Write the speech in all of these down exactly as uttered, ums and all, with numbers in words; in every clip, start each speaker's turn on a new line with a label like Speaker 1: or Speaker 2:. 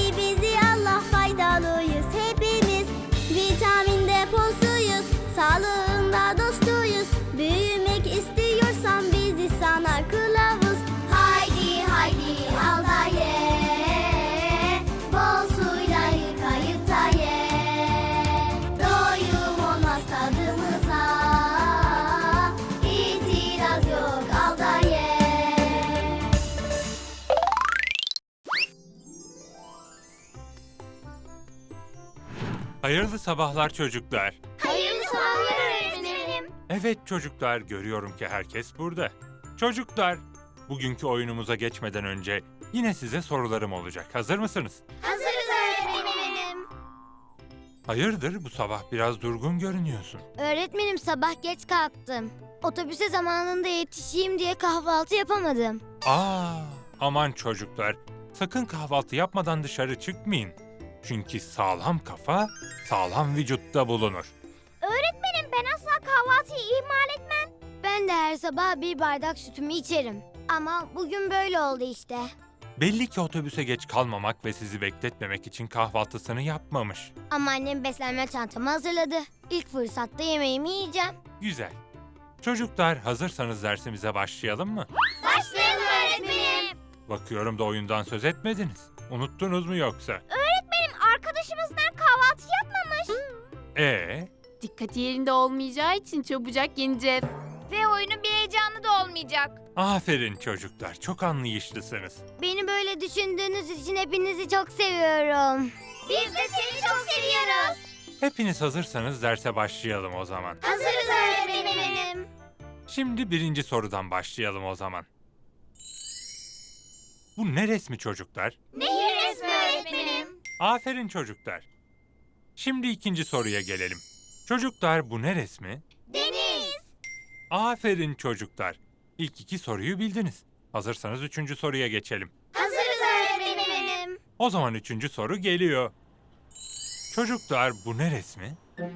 Speaker 1: Sevdi bizi Allah, faydalıyız hepimiz. Vitamin deposuyuz, sağlığında dostuyuz. Büyümek istiyorsan bizi sana kılavuz. Haydi haydi al da ye, bol suyla yıkayıp da ye. Doyum olmaz tadımıza, itiraz yok, al da ye.
Speaker 2: Hayırlı sabahlar çocuklar.
Speaker 1: Hayırlı sabahlar öğretmenim.
Speaker 2: Evet çocuklar, görüyorum ki herkes burada. Çocuklar, bugünkü oyunumuza geçmeden önce yine size sorularım olacak. Hazır mısınız?
Speaker 1: Hazırız öğretmenim.
Speaker 2: Hayırdır, bu sabah biraz durgun görünüyorsun.
Speaker 3: Öğretmenim, sabah geç kalktım. Otobüse zamanında yetişeyim diye kahvaltı yapamadım.
Speaker 2: Aa, aman çocuklar, sakın kahvaltı yapmadan dışarı çıkmayın. Çünkü sağlam kafa, sağlam vücutta bulunur.
Speaker 1: Öğretmenim, ben asla kahvaltıyı ihmal etmem.
Speaker 3: Ben de her sabah bir bardak sütümü içerim. Ama bugün böyle oldu işte.
Speaker 2: Belli ki otobüse geç kalmamak ve sizi bekletmemek için kahvaltısını yapmamış.
Speaker 3: Ama annem beslenme çantamı hazırladı. İlk fırsatta yemeğimi yiyeceğim.
Speaker 2: Güzel. Çocuklar, hazırsanız dersimize başlayalım mı?
Speaker 1: Başlayalım öğretmenim.
Speaker 2: Bakıyorum da oyundan söz etmediniz. Unuttunuz mu yoksa?
Speaker 1: Öğretmenim, arkadaşımızdan kahvaltı yapmamış.
Speaker 2: Ee,
Speaker 4: Dikkati yerinde olmayacağı için çabucak yeneceğiz.
Speaker 1: Ve oyunun bir heyecanı da olmayacak.
Speaker 2: aferin çocuklar, çok anlayışlısınız.
Speaker 3: Beni böyle düşündüğünüz için hepinizi çok seviyorum.
Speaker 1: Biz de seni çok seviyoruz.
Speaker 2: Hepiniz hazırsanız derse başlayalım o zaman.
Speaker 1: Hazırız öğretmenim.
Speaker 2: Şimdi birinci sorudan başlayalım o zaman. Bu ne resmi çocuklar?
Speaker 1: Nehir resmi öğretmenim.
Speaker 2: Aferin çocuklar. Şimdi ikinci soruya gelelim. Çocuklar, bu ne resmi?
Speaker 1: Deniz.
Speaker 2: Aferin çocuklar. İlk iki soruyu bildiniz. Hazırsanız üçüncü soruya geçelim.
Speaker 1: Hazırız öğretmenim.
Speaker 2: O zaman üçüncü soru geliyor. Çocuklar, bu ne resmi?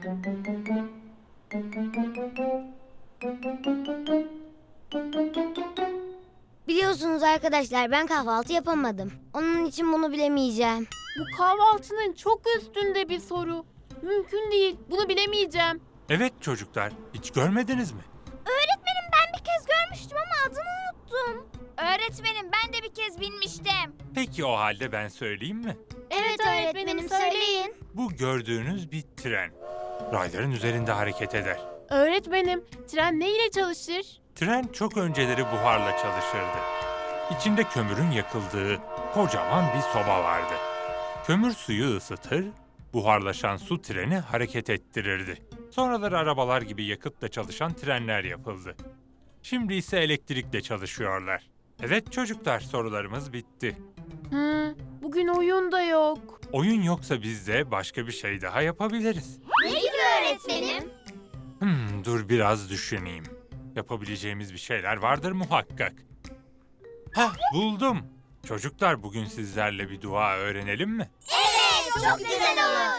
Speaker 3: Biliyorsunuz arkadaşlar, ben kahvaltı yapamadım. Onun için bunu bilemeyeceğim.
Speaker 4: Bu kahvaltının çok üstünde bir soru. Mümkün değil. Bunu bilemeyeceğim.
Speaker 2: Evet çocuklar, hiç görmediniz mi?
Speaker 1: Öğretmenim, ben bir kez görmüştüm ama adını unuttum. Öğretmenim, ben de bir kez binmiştim.
Speaker 2: Peki o halde ben söyleyeyim mi?
Speaker 3: Evet öğretmenim, söyleyin.
Speaker 2: Bu gördüğünüz bir tren. Rayların üzerinde hareket eder.
Speaker 4: Öğretmenim, tren ne ile çalışır?
Speaker 2: Tren çok önceleri buharla çalışırdı. İçinde kömürün yakıldığı kocaman bir soba vardı. Kömür suyu ısıtır, buharlaşan su treni hareket ettirirdi. Sonraları arabalar gibi yakıtla çalışan trenler yapıldı. Şimdi ise elektrikle çalışıyorlar. Evet çocuklar, sorularımız bitti.
Speaker 4: Hı, bugün oyun da yok.
Speaker 2: Oyun yoksa biz de başka bir şey daha yapabiliriz.
Speaker 1: Ne gibi öğretmenim?
Speaker 2: Hmm, dur biraz düşüneyim. Yapabileceğimiz bir şeyler vardır muhakkak. Hah, buldum. Çocuklar, bugün sizlerle bir dua öğrenelim mi?
Speaker 1: Evet, çok güzel olur.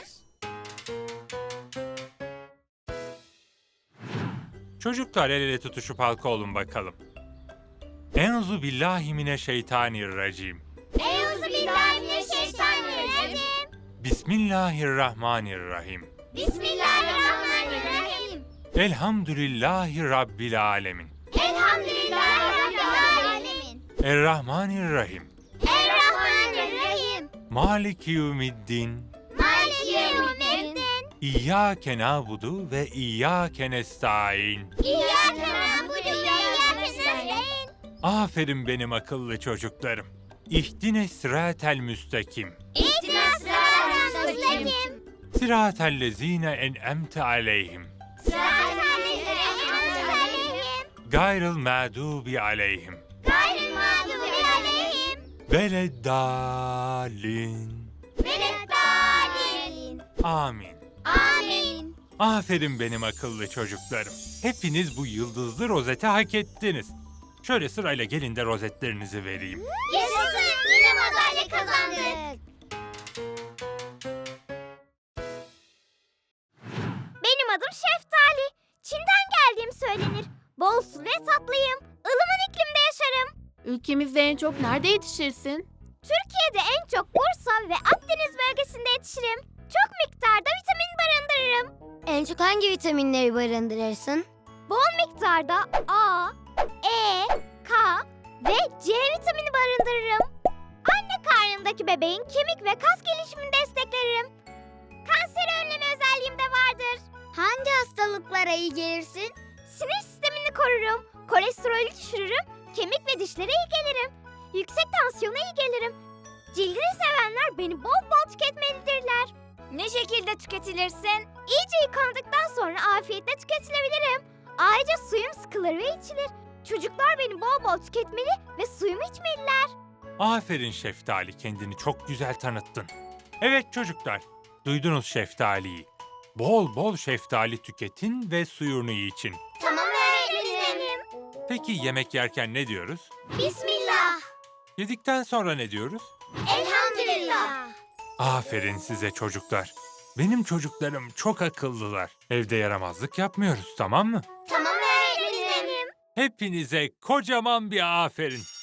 Speaker 2: Çocuklar, el ele tutuşup halka olun bakalım. Enzu billahi mineşşeytanirracim.
Speaker 1: Euzubillahimineşşeytanirracim.
Speaker 2: Bismillahirrahmanirrahim.
Speaker 1: Bismillahirrahmanirrahim.
Speaker 2: Elhamdülillahi Rabbil alemin.
Speaker 1: Elhamdülillahi Rabbil alemin.
Speaker 2: Errahmanirrahim.
Speaker 1: Errahmanirrahim.
Speaker 2: Maliki yevmiddin.
Speaker 1: Maliki yevmiddin.
Speaker 2: İyyâke na'budu ve iyyâke nestaîn.
Speaker 1: İyyâke na'budu ve iyyâke nestaîn.
Speaker 2: Aferin benim akıllı çocuklarım. İhdine sıratel müstakim.
Speaker 1: İhdinas sıratal müstakim.
Speaker 2: Sıratel lezîne en'emte aleyhim.
Speaker 1: Sıratal lezîne en'amte aleyhim.
Speaker 2: Gayrıl mağdubi aleyhim.
Speaker 1: Gayril mağdubi aleyhim.
Speaker 2: Veleddallin.
Speaker 1: Veleddâlin.
Speaker 2: Amin.
Speaker 1: Amin.
Speaker 2: Aferin benim akıllı çocuklarım. Hepiniz bu yıldızlı rozeti hak ettiniz. Şöyle sırayla gelin de rozetlerinizi vereyim.
Speaker 1: Yaşasın, yine madalya kazandık. Benim adım Şeftali. Çin'den geldiğim söylenir. Bol su ve tatlıyım. Ilıman iklimde yaşarım.
Speaker 4: Ülkemizde en çok nerede yetişirsin?
Speaker 1: Türkiye'de en çok Bursa ve Akdeniz
Speaker 3: hangi vitaminleri barındırırsın?
Speaker 1: Bol miktarda A, E, K ve C vitamini barındırırım. Anne karnındaki bebeğin kemik ve kas gelişimini desteklerim. Kanseri önleme özelliğim de vardır.
Speaker 3: Hangi hastalıklara iyi gelirsin?
Speaker 1: Sinir sistemini korurum, kolesterolü düşürürüm, kemik ve dişlere iyi gelirim. Yüksek tansiyona iyi gelirim. Cildini sevenler beni bol bol tüketmelidirler. Ne şekilde tüketilirsin? İyice yıkandıktan sonra afiyetle tüketilebilirim. Ayrıca suyum sıkılır ve içilir. Çocuklar beni bol bol tüketmeli ve suyumu içmeliler.
Speaker 2: Aferin Şeftali, kendini çok güzel tanıttın. Evet çocuklar, duydunuz Şeftali'yi. Bol bol şeftali tüketin ve suyunu için.
Speaker 1: Tamam öğretmenim.
Speaker 2: Peki yemek yerken ne diyoruz?
Speaker 1: Bismillah.
Speaker 2: Yedikten sonra ne diyoruz?
Speaker 1: Elhamdülillah.
Speaker 2: Aferin size çocuklar. Benim çocuklarım çok akıllılar. Evde yaramazlık yapmıyoruz, tamam mı?
Speaker 1: Tamam öğretmenim.
Speaker 2: Hepinize kocaman bir aferin.